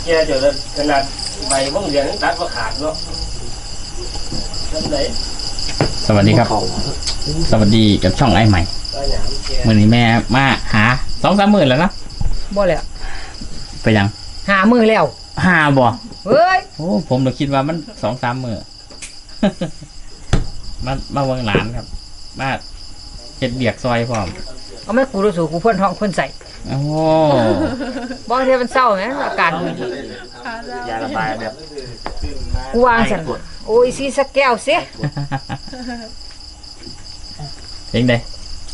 แก่จนขนาดใบม่วงเหลืองตัดว่าขาดเนาะนั่นไหนสวัสดีครับสวัสดีกับช่องไอ้ใหม่มื้อนี้แม่มาหา 2-3 มื้อแล้วนะบ่แล้วไปยังหามื้อแล้วหาบ่เฮ้ยโอ้ผมเลยคิดว่ามัน 2-3 มื้อ มาเบิ่งหลานครับมาเฮ็ดเบียกซอยพร้อมเอาแม่กูรู้สึกกูพ่นท้องพ่นใส่โอ้บ่เทียมันเศร้าแหมอาการยาระบายแบบกูวางซั่นโอ้ยสิสักแก้วสิเองได้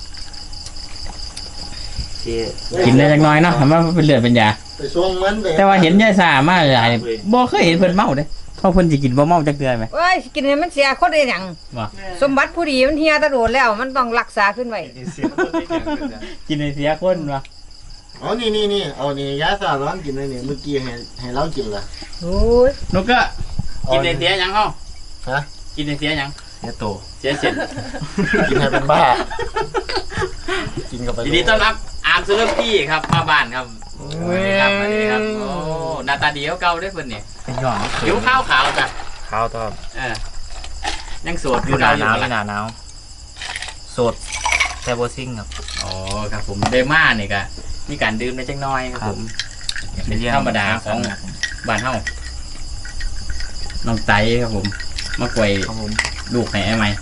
กินได้จักหน่อยเนาะมันเป็นเลือดเป็นยาแต่ว่าเห็นยายซ่ามาหลายบ่เคยเห็นเพิ่นเมาเด้เพราะเพิ่นสิกินบ่เมาจักเทื่อมั้ยเอ้ยกินให้มันเสียคนได้หยังสมบัติผู้ดีมันเฮียตะโดดแล้วมันต้องรักษาขึ้นไว้กินให้เสียคนวะอ๋อนี่เอานี่ยาซ่าร้อนกินเลยนี่เมื่อกี้ให้เรากินล่ะโอ้ยนกก็กินให้เสียหยังเฮาฮะกินให้เสียหยังเสียโตเสียเส้นกินให้เป็นบ้ากินกับไปยินดีต้อนรับอาร์มซูเลอร์ปี้ครับมาบ้านครับสวัสดีครับสวัสดีครับโอ้หน้าตาดีเก่าด้วยเพิ่นนี่เป็นหย่อนผิวขาวจ้ะขาวตอบยังโสดอยู่หน้าหนาวโสดแต่บ่ซิ่งครับอ๋อครับผมเดม่านี่ก็มีการดื่มได้จังน้อยครับผมเป็นธรรมดาของบ้านเฮาน้องไตครับผมมาป่วยลูกให้ไอ้ใหม่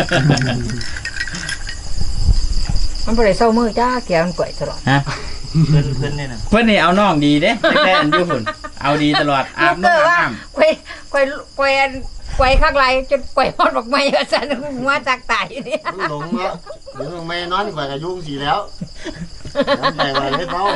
มันบ่ได้เศร้ามือจ้าแกมันก่อยตลอดฮะเพื่อนนี่นะเพื่อนนี่เอาน้องดีเด้แต่อันอยู่ฝุ่นเอาดีตลอดอาบน้ำก่อยข้างไรจนก่อยฮอดบักไม้ว่าซั่นมาจากตายนี่หลงแล้วหลงไม่นอนข่อยก็ยุ่งสิแล้วใส่ไว้ให้เฝ้า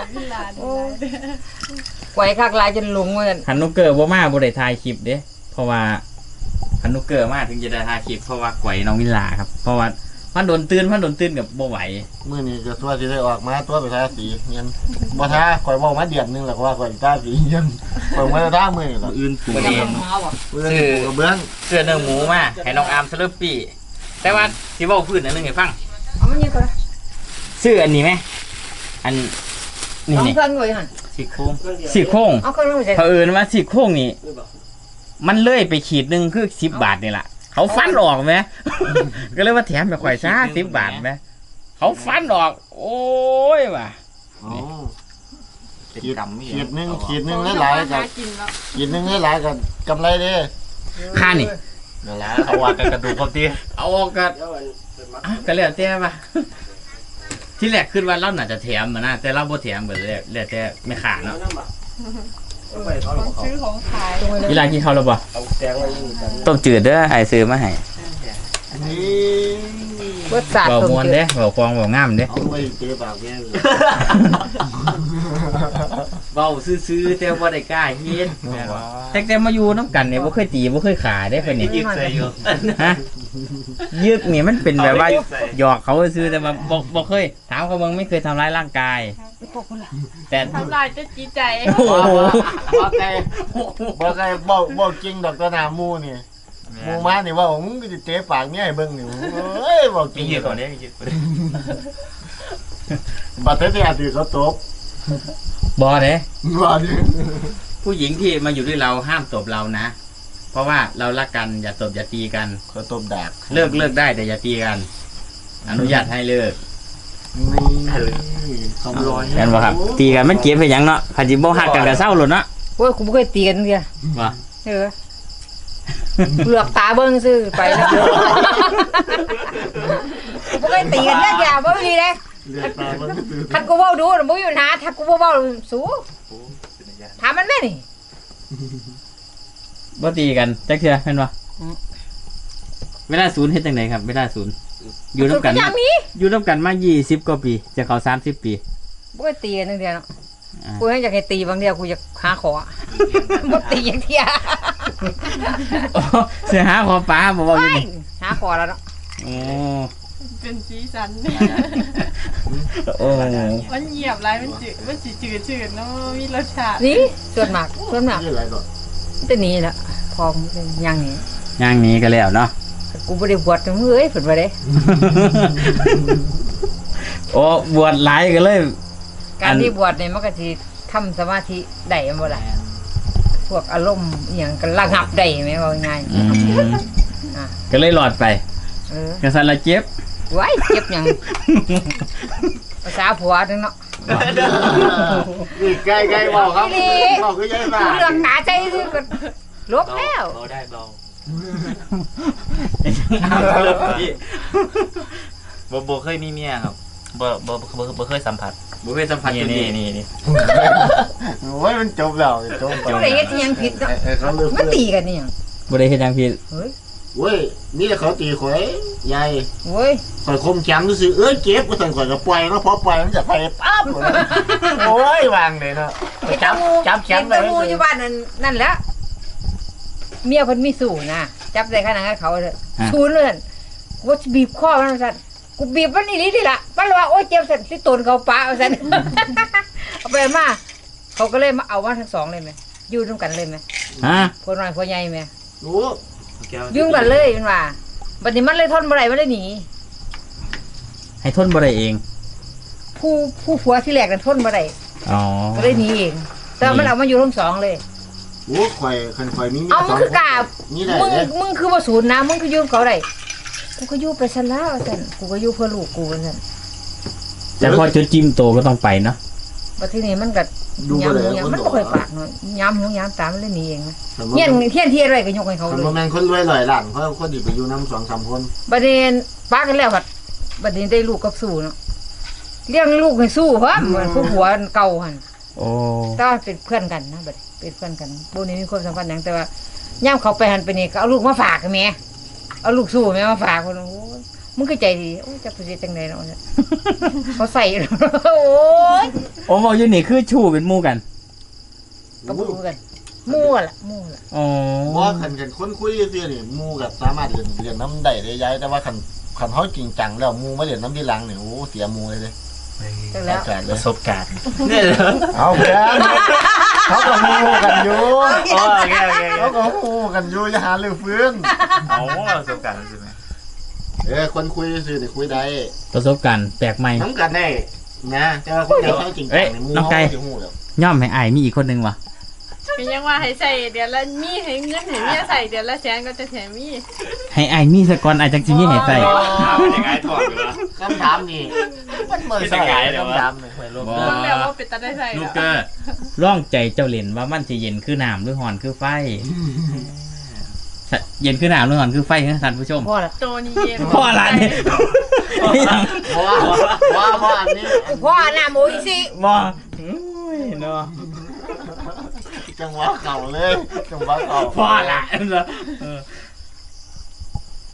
ก่อยข้างไรจนหลงว่าซั่นหันนุกเกอร์บ่มาบ่ได้ถ่ายคลิปเด้เพราะว่าหันนุกเกอร์มาถึงจะได้ถ่ายคลิปเพราะว่าก่อยน้องวิลาครับเพราะว่ามันโดนตื่นกับบ่ไหวมื้อนี้ก็ตัวสิได้ออกมาตัวไปทาสีเงินบ่ทาข่อยเว้ามาเดือนนึงแล้วก็ว่าข่อยทาสีเงินข่อยบ่ได้ทามื้อนี้ล่ะอื่นปู่เองซื้อกระเบื้องเสื้อเนื้อหมูมาให้น้องอาร์มสลับปี้แต่ว่าสิเว้าพื้นอันนึงให้ฟังเอามันยังก่อนซื้ออันนี้มั้ยอันนี่ๆเครื่องไว้หั่นซี่โครงเอาเครื่องไว้ใส่เผอิญว่าซี่โครงนี่มันเลื่อยไปขีดนึงคือ10 บาทนี่ล่ะเขาฟันออกไหมก็เลยว่าแถมไปข่อยซ่า10 บาทไหมเขาฟันออกโอ้ยว่ะขีดนึงหลายๆกับขีดนึงหลายๆกับกำไรเด้ค่านี่นั่นล่ะเอาว่ากันกระดูกครับติเอาออกกันก็แล้วแต่ป่ะที่แรกขึ้นว่าเราน่าจะแถมมานะแต่เราบ่แถมก็เลยแล้วแต่ไม่ขาดเนาะซื้อของขายกีฬากินข้าวแล้วบ่ต้มจืดเด้อไอ้ซื้อมาให้รสชาติบ่ม่วนเด้บ่ฟองบ่งามเด้เอาไว้เตะปากแม่เว้าซื่อๆแต่บ่ได้กล้าเฮ็ดแต่มาอยู่นำกันเนี่ยบ่เคยตีบ่เคยขาเด้เพิ่นนี่ยึกใส่อยู่ฮะยึกนี่มันเป็นแบบว่าหยอกเขาซื่อแต่ว่าบ่เคยถามเขาเบิ่งไม่เคยทำร้ายร่างกายแต่ทำลายจะจีใจโอ้โหบ่เคยบ่จริงดอกตะนามูนี่มูมานี่ว่ามึงก็จะเตะปากเนี่ยให้เบิ่งนี่เอ้ยบ่จริงอยู่ตอนนี้บัดเตะอาทิตย์เขาตบบ่เด้บ่ดิผู้หญิงที่มาอยู่ด้วยเราห้ามตบเรานะเพราะว่าเรารักกันอย่าตบอย่าตีกันเขาตบดาบเลิกได้แต่อย่าตีกันอนุญาตให้เลิกคำร้อยกันบ่ครับตีกันมันเจ็บไปหยังเนาะคันสิบ่ฮักกันก็เศร้าโลดเนาะโอ้ยกูบ่เคยตีกันเด้อว่าเปลือกตาเบิ่งซื่อไปแล้วบ่เคยตีกันจักอย่างบ่มีเด้คันกูเว้าดูบ่อยู่นะถ้ากูบ่เว้าสู้ถามมันแม่นี่บ่ตีกันจักเทื่อแม่นบ่เวลาศูนย์เฮ็ดจังได๋ครับเวลาศูนย์อยู่นำกันมา20กว่าปีจะเข้า30ปีบ่เคยตีกันจังเดียวเนาะกูอยากให้ตีบางเดียวกูอยากหาขอบ่ตีอย่างเที่ยสิหาขอปลาบ่เว้าอยู่นี่หาขอแล้วเนาะโอ้เป็นสีสันโอ้มันเหยียบไรมันจืดเนาะมีรสชาตินี่ส่วนมากจะหนีละพออย่างนี้ก็แล้วเนาะกูบ่ได้บวชจังเอ้ยเพิ่นว่าเด้โอ้บวชหลายก็เลยการที่บวชนี่มันก็สิทำสมาธิได้บ่ล่ะพวกอารมณ์อหย่างก็ระงับได้ไหมว่าง่าย อ่ะก็เลยหลอดไปๆกระสันละเจ็บไว้เจ็บหยังภาษาผัวนึงเนาะนี่ใกล้ๆบอกครับบอกก็ยังไงเรื่องหนาใจคือก็ลบแล้วเบาได้เบาบ่เคยมีเมียครับบ่เคยสัมผัสบ่เคยสัมผัสนี่โอ้ยมันจบแล้วจบผู้ใดเฮ็ดอิหยังผิดเนาะเขาเลือกมันตีกันนี่หยังบ่ได้เฮ็ดหยังผิดเฮ้ยเว้ยนี่เขาตีข่อยใหญ่โอ้ยข่อยคมแขมซื่อเอ้ยเก็บก็สั่งข่อยก็ปล่อยแล้วพอปล่อยมันจะไปปั๊บโอ้ยวางเลยเนาะจับแขมเห็นตะมูอยู่บ้านนั่นแหละเมียเพิ่นมีสู้นะจับได้ขนาดนั้นเขาเด้อชูนเลยกูจะบีบคอมันสั่นกูบีบมันอีหลีนี่ล่ะมันว่าโอ๊ยเจ็บสั่นสิตนเขาปะเอาสั่น เอาไปมาเขาก็เลยมาเอามาทั้งสองเลยไหมอยู่ร่วมกันเลยไหมฮะพวน้อยพวใหญ่ไหมรู้ยุ่งกันเลยมันว่าบัดนี้มันเลยทนบ่ได้มันเลยหนีให้ทนบ่ได้เองผู้ผัวที่แรกนั้นทนบ่ได้อ๋อก็เลยหนีเองแต่มันเอามาอยู่ทั้งสองเลยโอ้ข่อยคันข่อยมีเอามึงคือกล้านี่ได้มึงเลยมึงคือบ่ศูนย์นะมึงคืออยู่กับเขาได้กูก็อยู่ไปซะแล้วสั่นกูก็อยู่เพื่อลูกกูสั่นแต่พอจุดจิ้มโตก็ต้องไปเนาะบัดทีนี้มันก็ดูยามบ่หูได้ยามคนมันบบ่อกค่อยปากเนาะยามหูยามตามันเลยหนีเองนะเฮีเฮียยนนเฮียนที่อะไรก็ยกให้เขาคนเลยบ่แม่นคนรวย100ล้านเพราะคนที่ไปอยู่นำ2-3คนบัดนี้ป้ากันแล้วบัดบัดนี้ได้ลูกกับสู้เนาะเลี้ยงลูกให้สู้เพราะเหมือนผู้ผัวเก่าหั่นโอ้ก็เป็นเพื่อนกันนะบัดนี้เป็นเพื่อนกันบ่นี้มีความสัมพันธ์หยังแต่ว่าย่ามเขาไปหันไปนี่ก็เอาลูกมาฝากแม่เอาลูกสู้แม่มาฝากคนโอ้ยมึงก็ใจดีโอ้ยจักสิจังได๋เนาะเนี่ยเขาใส่ โอ้ยโอ้บอกอยู่นี่คือชู้เป็นหมู่กันก็บ่รู้กันมู่ล่ะอ๋อบ่คันคนคุยซื่อๆนี่หมู่ก็สามารถเรียนน้ำได้ได้ย้ายแต่ว่าคันเฮาจริงจังแล้วหมู่มาเรียนน้ำที่หลังนี่โอ้เสียหมู่เลยเด้จังแล้วแปลกๆเลปยระสบการณ์เอาแกเขาก็หมู่กันอยู่โอเคเขาก็หมู่กันอยู่อย่าหาเรื่องฟื้นเอาประสบการณ์ใช่ไหมคนคุยซื่อนี่คุยได้ประสบการณ์แปลกใหม่น้ำกันได้นะแต่ว่าคนที่เขาจริงจังนี่หมู่น้องเขาไก่สิฮู้แล้วย่อมให้อายมีอีกคนนึงวะเป็นยังว่าให้ใส่เดือนละมีให้เงินให้เมียใส่เดือนละแสนก็จะแถมมีให้อายมีสกอนอายจังสิมีให้ใส่เป็นยังไงถอดอยู่ละคำถามนี่มันเหมือนใส่คำถามนี่บ่เบิ่งแล้วว่าเป็นตาได้ใส่ลูกแล้วเกอร์ร่องใจเจ้าเล่นว่ามันสิเย็นคือน้ำหรือฮ้อนคือไฟ เย็นคือน้ำหรือฮ้อนคือไฟนะท่านผู้ชมพ่อละตัวนี้เย็นพ่ออะไรเนี่ยเพราะว่าอันนี้พ่อหน้าหมูอีสิบ่โอ้ยเนาะจังหวะเก่าเลยจังหวะเก่าพ่อละเออ